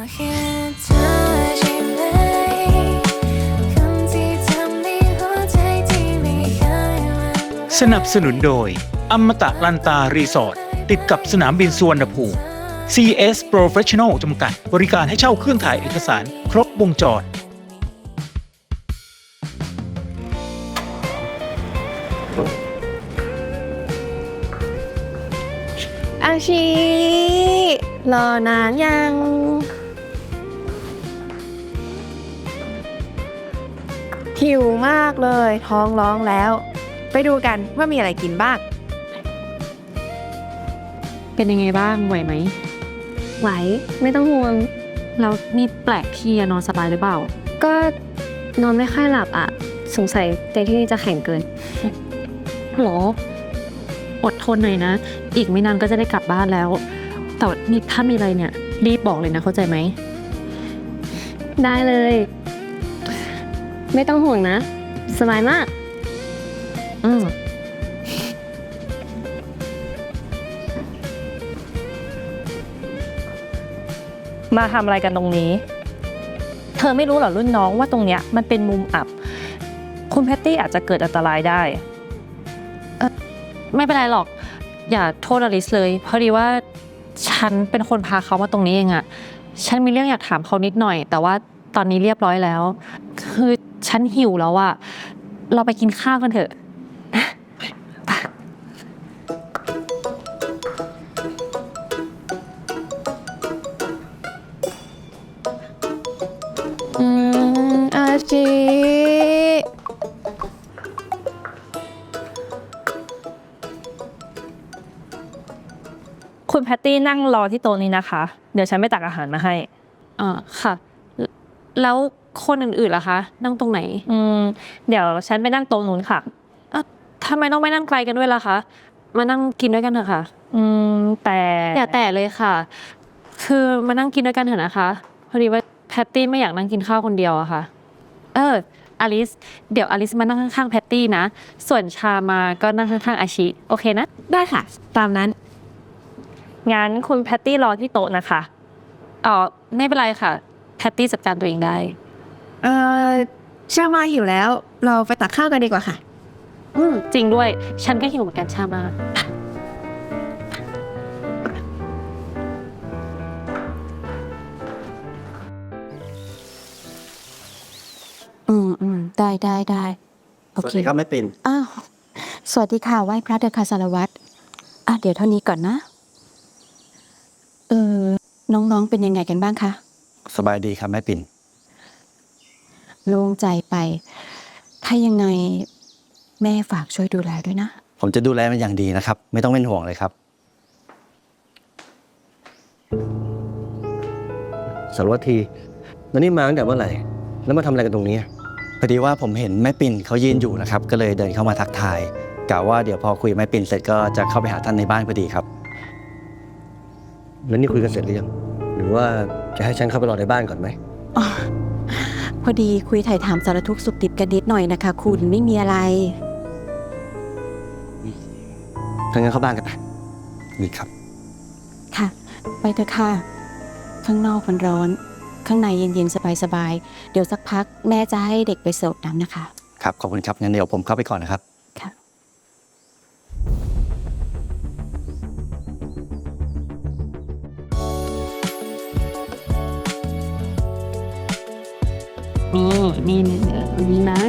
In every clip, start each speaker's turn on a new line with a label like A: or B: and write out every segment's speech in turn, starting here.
A: สนับสนุนโดยอมตะลันตารีสอร์ทติดกับสนามบินสุวรรณภูมิ CS Professional จำกัดบริการให้เช่าเครื่องถ่ายเอกสารครบวงจร
B: อาชีรอนานยังหิวมากเลยท้องร้องแล้วไปดูกันว่ามีอะไรกินบ้าง
C: เป็นยังไงบ้างไหวไหม
B: ไหวไม่ต้องห่วง
C: แล้วนี่แปลกที่นอนสบายหรือเปล่า
B: ก็นอนไม่ค่อยหลับอ่ะสงสัยเตียงที่นี่จะแข็งเกิน
C: หรออดทนหน่อยนะอีกไม่นานก็จะได้กลับบ้านแล้วแต่นี่ถ้ามีอะไรเนี่ยรีบบอกเลยนะเข้าใจไหม
B: ได้เลยไม่ต้องห่วงนะสบายมาก
D: มาทำอะไรกันตรงนี้เธอไม่รู้เหรอรุ่นน้องว่าตรงเนี้ยมันเป็นมุมอับคุณแพตตี้อาจจะเกิดอันตรายได้
C: ไม่เป็นไรหรอกอย่าโทษอลิสเลยเพราะดีว่าฉันเป็นคนพาเขามาตรงนี้เองอะฉันมีเรื่องอยากถามเขานิดหน่อยแต่ว่าตอนนี้เรียบร้อยแล้วคือฉันหิวแล้วอะเราไปกินข้าวกันเถอะ
B: อาชี
D: คุณแพตตี้นั่งรอที่โต๊ะนี้นะคะเดี๋ยวฉันไปตักอาหารมาให้
C: ค่ะแล้วคนอื่นๆล่ะคะนั่งตรงไหน
D: เดี๋ยวฉันไปนั่งโต๊ะนู้นค่ะ
C: ทำไมต้องไปนั่งไกลกันด้วยล่ะคะมานั่งกินด้วยกันเถอะค่ะ
D: แต่
C: อย่าแต่เลยค่ะคือมานั่งกินด้วยกันเถอะนะคะพอดีว่าแพตตี้ไม่อยากนั่งกินข้าวคนเดียวอะค่ะอลิสเดี๋ยวอลิสมานั่งข้างๆแพตตี้นะส่วนชามาก็นั่งข้างๆอาชิโอเคนะ
B: ได้ค่ะตามนั้น
D: งั้นคุณแพตตี้รอที่โต๊ะนะคะ
C: ไม่เป็นไรค่ะแพตตี้จัดการตัวเองได้
B: ชามาหิวแล้วเราไปตักข้าวกันดีกว่าค่ะ
C: จริงด้วยฉันก็หิวเหมือนกันชามา
E: ได้โอเค
F: สวัสดีครับแม่ปิ่น
E: สวัสดีค่ะไหว้พระเดชค่ะสารวัตรเดี๋ยวเท่านี้ก่อนนะน้องๆเป็นยังไงกันบ้างคะ
F: สบายดีครับแม่ปิ่น
E: โล่งใจไปถ้ายังไงแม่ฝากช่วยดูแลด้วยนะ
F: ผมจะดูแลมันอย่างดีนะครับไม่ต้องเป็นห่วงเลยครับสารวัตรทีแล้วนี่มาตั้งแต่เมื่อไหร่แล้วมาทำอะไรกันตรงนี้พอดีว่าผมเห็นแม่ปิ่นเขายืนอยู่นะครับก็เลยเดินเข้ามาทักทายกะว่าเดี๋ยวพอคุยกับแม่ปิ่นเสร็จก็จะเข้าไปหาท่านในบ้านพอดีครับแล้วนี่คุยกันเสร็จหรือยังหรือว่าจะให้ฉันเข้าไปรอในบ้านก่อนไหม
E: พอดีคุยถ่ายถามสารทุกข์สุขดิบกันนิดหน่อยนะคะคุณไม่มีอะไร
F: ถ้างั้นเข้าบ้านกันไปนี่ครับ
E: ค่ะไปเถอะค่ะข้างนอกมันร้อนข้างในเย็นๆสบายๆเดี๋ยวสักพักแม่จะให้เด็กไปเสิร์ฟน้ำนะคะ
F: ครับขอบคุณครับงั้นเดี๋ยวผมเข้าไปก่อนนะครับ
E: ค่ะ
C: นี่นะ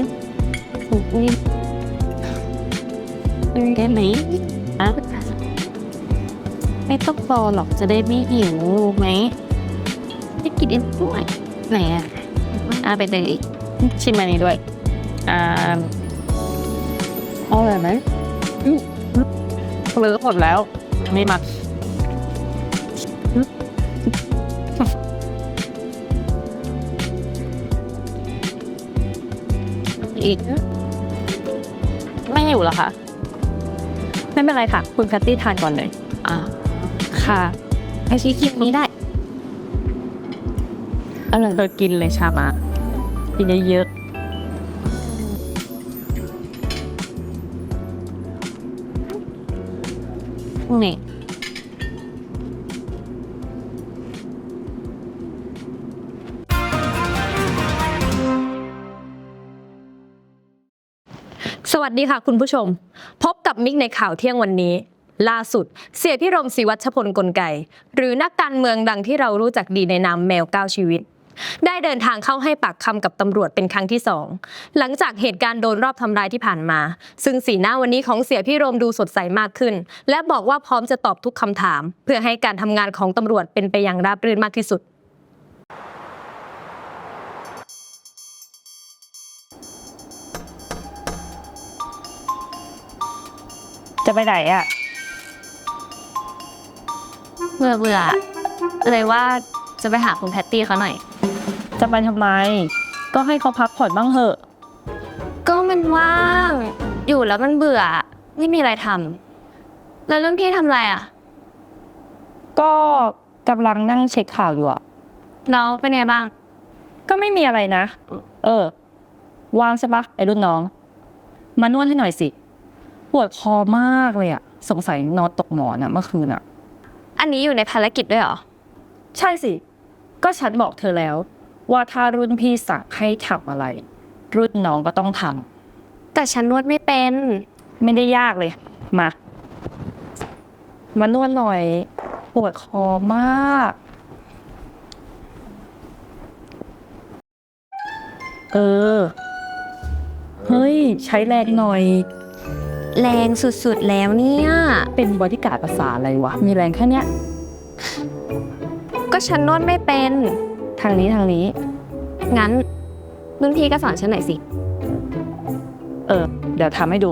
C: ได้ไหมไม่ต้องรอหรอกจะได้ไม่หิวรู้ไหมได้กินเองด้วยไหนไปเลยชิมอันนี้ด้วยอร่อยไหมเลิกหมดแล้วไม่มาอีกไม่หิวเหรอคะ
D: ไม่เป็นไรค่ะคุณแพตตี้ทานก่อนเลย
C: ค่ะ
D: อาชีกินนี้ได้อร่อยเรากินเลยชามากินเยอะ
C: นี่
G: สวัสดีค่ะคุณผู้ชม พบกับมิกในข่าวเที่ยงวันนี้ ล่าสุดเสียพิรมศรีวัชพลกลไกหรือนักการเมืองดังที่เรารู้จักดีในนามแมว9ชีวิตได้เดินทางเข้าให้ปากคำกับตำรวจเป็นครั้งที่2หลังจากเหตุการณ์โดนรอบทำร้ายที่ผ่านมาซึ่งสีหน้าวันนี้ของเสียพิรมดูสดใสมากขึ้นและบอกว่าพร้อมจะตอบทุกคำถามเพื่อให้การทำงานของตำรวจเป็นไปอย่างราบรื่นมากที่สุด
D: จะไปไหนอะ
B: เบื่อเลยว่าจะไปหาคุณแพตตี้เขาหน่อย
D: จะไปทำไม ก็ให้เขาพักผ่อนบ้างเหอะ
B: ก็มันว่างอยู่แล้วมันเบื่อไม่มีอะไรทำแล้วรุ่นพี่ทำอะไรอ่ะ
D: ก็กำลังนั่งเช็คข่าวอยู่อะ
B: แล้วเป็นไงบ้าง
D: ก็ไม่มีอะไรนะ ว่างใช่ปะไอ้รุ่นน้อง มานวดให้หน่อยสิ ปวดคอมากเลยอะสงสัยนอนตกหมอนอะเมื่อคืนอะ
B: อันนี้อยู่ในภารกิจด้วยเหรอ
D: ใช่สิ ก็ฉันบอกเธอแล้ว ว่าถ้ารุ่นพี่สั่งให้ทำอะไร รุ่นน้องก็ต้องทำ
B: แต่ฉันนวดไม่เป็น
D: ไม่ได้ยากเลย มานวดหน่อย ปวดคอมาก เฮ้ย ใช้แรงหน่อย
B: แรงสุดๆแล้วเนี่ย
D: เป็นบอดี้การ์ดภาษาอะไรวะ มีแรงแค่เนี้ย
B: ก็ฉันนวดไม่เป็น
D: ทางนี้
B: งั้นรุ่นพี่ก็สอนฉันหน่อยสิ
D: เดี๋ยวทำให้ดู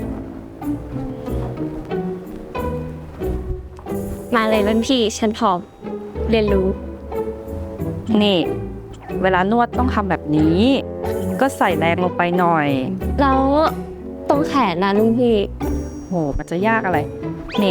B: มาเลยรุ่นพี่ฉันพร้อมเรียนรู้
D: นี่ เวลานวดต้องทำแบบนี้ ก็ใส่แรงลงไปหน่อย
B: แล้วตรงแขนนะรุ่นพี่
D: โห มันจะยากอะไร นี่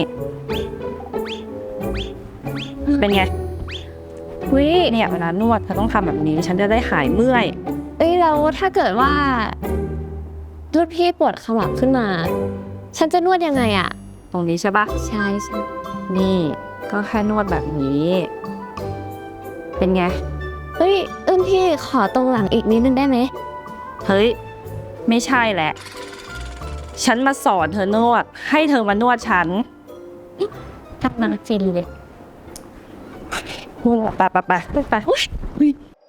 D: เป็นไง
B: วิ
D: เนี่ยเวลานวดเธอต้องทำแบบนี้ ฉันจะได้หายเมื่อย
B: แล้วถ้าเกิดว่ารุ่นพี่ปวดขมับขึ้นมา ฉันจะนวดยังไงอ่ะ
D: ตรงนี้ใช่ปะ
B: ใช่ใช่
D: นี่ก็แค่นวดแบบนี้ เป็นไง
B: รุ่นพี่ขอตรงหลังอีกนิดนึงได้ไหม
D: เฮ้ย ไม่ใช่แหละ ฉันมาสอนเธอนวด ให้เธอมานวดฉัน
B: ทำมาฟินเลย
D: ไปอุ๊ย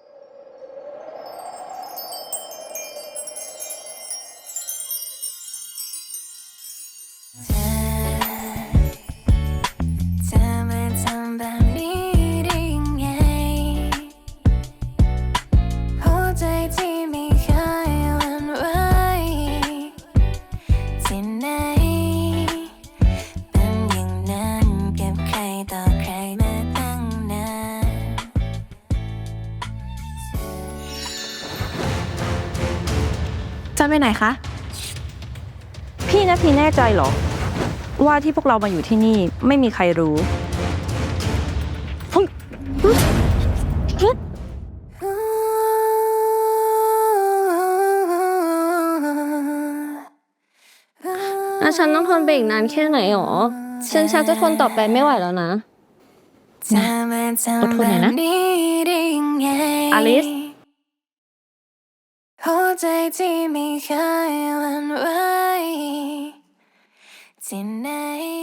H: เธอมาทำแบบนี้ได้ยังไงหัวใจที่ไม่เคยหวั่นไหวที่ไหนเป็นอย่างนั้นกับใครต่อใครมาตั้งนาน
G: จะไปไหนคะ
D: พี่นาทีแน่ใจเหรอ ว่าที่พวกเรามาอยู่ที่นี่ไม่มีใครรู้
B: แล้วฉันต้องทนไปอีกนานแค่ไหนหรอ ฉันชักจะทนต่อไปไม่ไหวแล้วนะ
H: เธอมาทำแบบนี้ได้ยังไง
D: อลิส
H: หัวใจที่ไม่เคยหวั่นไหวที่ไหน